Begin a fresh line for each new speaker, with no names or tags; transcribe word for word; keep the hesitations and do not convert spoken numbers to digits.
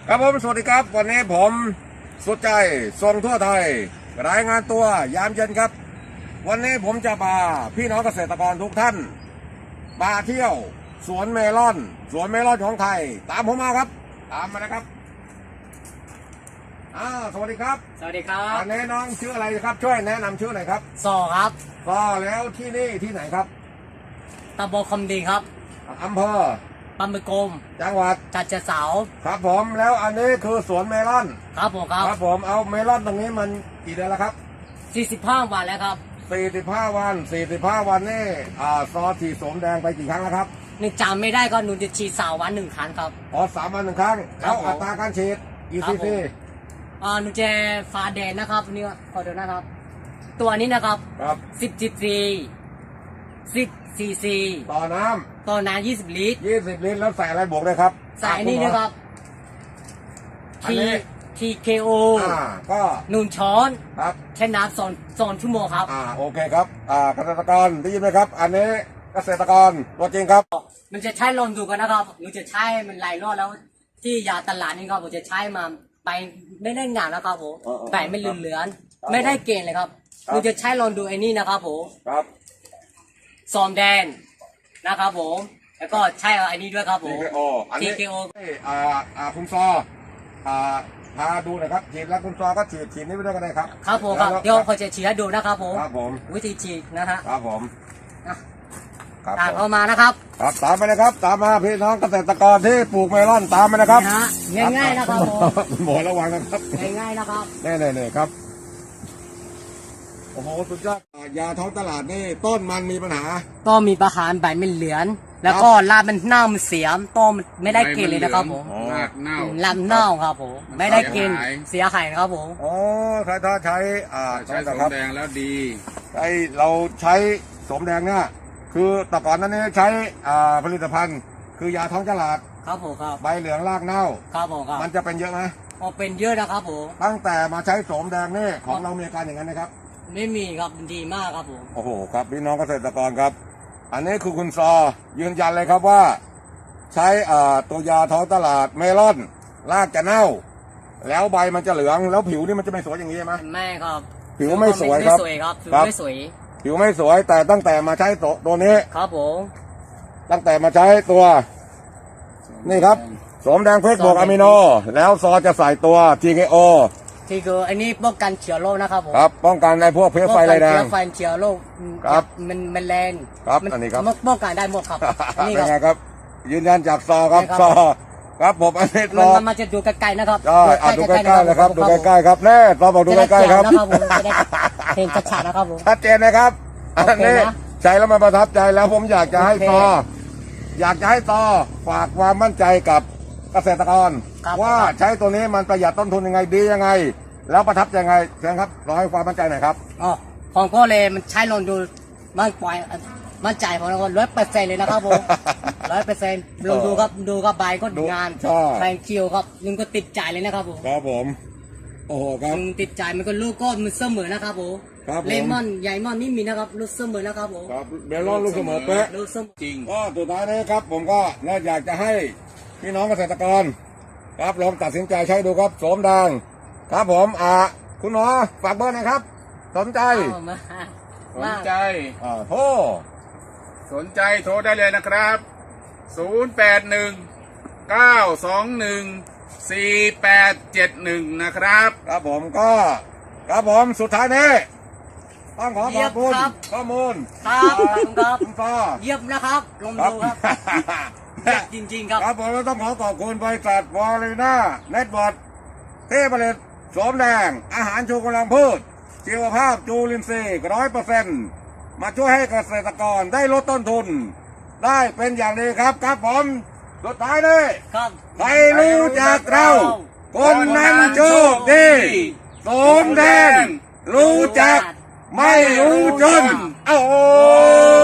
ครับผมสวัสดีครับวันนี้ผมสุดใจส่งทั่วไทยรายงานตัวยามเย็นครับวันนี้ผมจะพาพี่น้องเกษตรกรทุกท่านมาเที่ยวสวนเมลอนสวนเมลอนของไทยตามผมมาครับตามมานะครับอ่าสวัสดีครับ
สวัสดีครับ
อันนี้น้องชื่ออะไรครับช่วยแนะนำชื่อหน่อยครับ
ซอครับ
ก็แล้วที่นี่ที่ไหนครับ
ตำบลคำดีครับ
อำเภอ
ปำมือกรม
จังหวัด
จัดเจเสา
ครับผมแล้วอันนี้คือสวนเมลอน
ครับผมครับ
ครับผมเอาเมลอนตรงนี้มันกี่เดือนแล้วครับ
สี่สิบห้าวันแล้วครับ
สี่สิบห้าวันสี่สิบห้าวันนี่อ่าซอฉีดสมแดงไปกี่ครั้งแล้วครับ
นี่จำไม่ได้ก็หนูจะฉีดสาววันหนึ่งครั้งครับ
อ๋อสามวันหนึ่งครั้งแล้วอัตราการฉีดกี่ซีซี
อ่าหนูจะฟ้าแดงนะครับนี่ขอดูนะครับตัวนี้นะครับ
ครับ
สิบจีซีสิบซีซี
ต่อน้ำ
ต่อน้ำยี่สิบลิตร
ยี่สิบลิตรแล้วใส่อะไรบวกเลยครับ
ใส่นี่นะครับทีทีเคโอ
อ่าก็
หนึ่งช้อน
ครับ
ใช้น้ำสองสองชั่วโมงครับ
อ่าโอเคครับอ่าเกษตรกรได้ยินไหมครับอันนี้เกษตรกรตัวจริงครับ
มันจะใช้ลองดูกันนะครับหนูจะใช้มันหลายรอบแล้วที่ยาตลาดนี่ครับผมจะใช้มาไปไม่ได้งานแล้วครับผมใบไม่เหลืองๆไม่ได้เกณฑ์เลยครับหนูจะใช้ลองดูไอ้นี่นะครับผม
ครับ
ซอมแดนนะครับผมแล้วก็ใช้ไอ้นี่ด้วยครับผม
ที เค โอ อันนี้
ที เค โอ
อ่าอ่าคุณซออ่าพาดูหน่อยครับฉีดแล้วคุณซอก็ฉีดฉีดนี้ไปด้วยกันเลยครับ
ครับผมครับเดี๋ยวพอจะฉีดให้ดูนะครับผม
ครับผม
วิธีฉีดนะฮะ
ครับผม
ตามเข้ามานะครับ
ครับตามไปนะครับตามมาพี่น้องเกษตรกรที่ปลูกเมลอนตามไปนะครับ
ง่ายๆนะครับผม
หมอระวังนะครับ
ง่ายๆนะครับ
แน่ๆครับโอ้โหสุดยอดยาท้องตลาดนี่ต้นมันมีปัญหา
ต้นมีปัญหาใบไม่เหลืองแล้วก็รากมันเน่ามันเสียต้นมันไม่ได้กินเลยนะครับผม
รากเน่า
ลำเน่าครับผมไม่ได้กินเสียหายนะครับผม
อ๋อถ้าถ้าใช้อ่า
ใช้สมแดงแล้วดี
ไอเราใช้สมแดงเนี่ยคือแต่ก่อนนั้นนี่ใช้อ่าผลิตภัณฑ์คือยาท้องตลาด
ครับผมครับ
ใบเหลืองรากเน่า
ครับผมครับ
มันจะเป็นเยอะไหม
อ๋อเป็นเยอะนะครับผม
ตั้งแต่มาใช้สมแดงนี่ของเรามีอาการอย่างนั้นนะครับ
ไม่มีครับดีมากครับผม
โอ้โหครับพี่น้องเกษตรกรครับอันนี้คือคุณซอยืนยันเลยครับว่าใช้อ่าตัวยาท้องตลาดเมลอนรากจะเน่าแล้วใบมันจะเหลืองแล้วผิวนี่มันจะไม่สวยอย่างนี้ใช่ไหม
ไม่ครับ
ผิวไม่สวยครับ
ไม่สวยครับผิวไม่สวย
ผิวไม่สวยแต่ตั้งแต่มาใช้ตัวนี้
ครับผม
ตั้งแต่มาใช้ตัวนี่ครับสมแดงเพชรบวกอะมิโนแล้วซอจะใส่ตัว ที เค โอ
ที่คืออันนี้ป้องกันเชื้อโรคนะครับผม
ครับป้องกันในพวกเพลี้ยไฟไรแดง
เชื้อไฟเชื้อโรค
ครับ
มันมันแรง
ครับอันนี้ครับ
ป้องกันได้หมดครับ
นี่เป็นไงครับยืนยันจากซอครับซอครับผมอันนี้ซอ
มันมาจะดูใกล้ๆนะครับ
ดูใกล้ๆเลยครับดูใกล้ๆครับแน่ซอบอกดูใกล้ๆครับ
เห็นชัดๆนะครับผม
ชัดเจนนะครับอันนี้ใช้แล้วมันประทับใจแล้วผมอยากจะให้ซออยากจะให้ซอฝากความมั่นใจกับเกษตรกรว่าใช้ตัวนี้มันประหยัดต้นทุนยังไงดียังไงแล้วประทับใจยังไงเชิญครับรอให้ความมั่นใจหน่อยครับ
อ๋อของก็เลยมันใช้ลองดูมันปล่อยมั่นใจของเราร้อยเปอร์เซ็นต์เลยนะครับผมร้อยเปอร์เซ็นต์ลองดูครับดูครับใบก็งานแรงคิวครับนึงก็ติดใจเลยนะครับผม
ครับผมโอ้โหครับ
ติดใจมันก็ลูกก็มันเสมอนะครับผมเลมอนใหญ่มอนนี่มีนะครับลูกเสมอนะครับผม
ครับเบลล์ลูกเสมอเป๊ะ
ลูกเสมอ
จริงก็สุดท้ายนี้ครับผมก็น่าอยากจะให้พี่น้องเกษตรกรครับลองตัดสินใจใช้ดูครับโสมแดงครับผมอ่าคุณหมอฝากเบอร์หน่อยครับสนใจ
สนใจ
อ่าโทร
สนใจโทรได้เลยนะครับศูนย์ แปด หนึ่ง เก้า สอง หนึ่ง สี่ แปด เจ็ด หนึ่งนะครับ
ครับผมก็ครับผมสุดท้ายนี้ต้องขอขอบคุณข้อมูล
ครับครับ
คุณพ่อ
เยี่ยมนะครับลงดูครับจริงๆครับ
ครับผมต้องขอขอบคุณบริษัทวอลิน่าเน็ตบอร์ดที่ผลิตโสมแดงอาหารชูกำลังพืชชีวภาพจูลินทรีย์ร้อยเปอร์เซ็นต์มาช่วยให้เกษตรกรได้ลดต้นทุนได้เป็นอย่างดีครับครับผมสุดท้ายนี้ใครรู้จักเราคนนั้นโชคดีโสมแดงรู้จักไม่รู้จนโอ้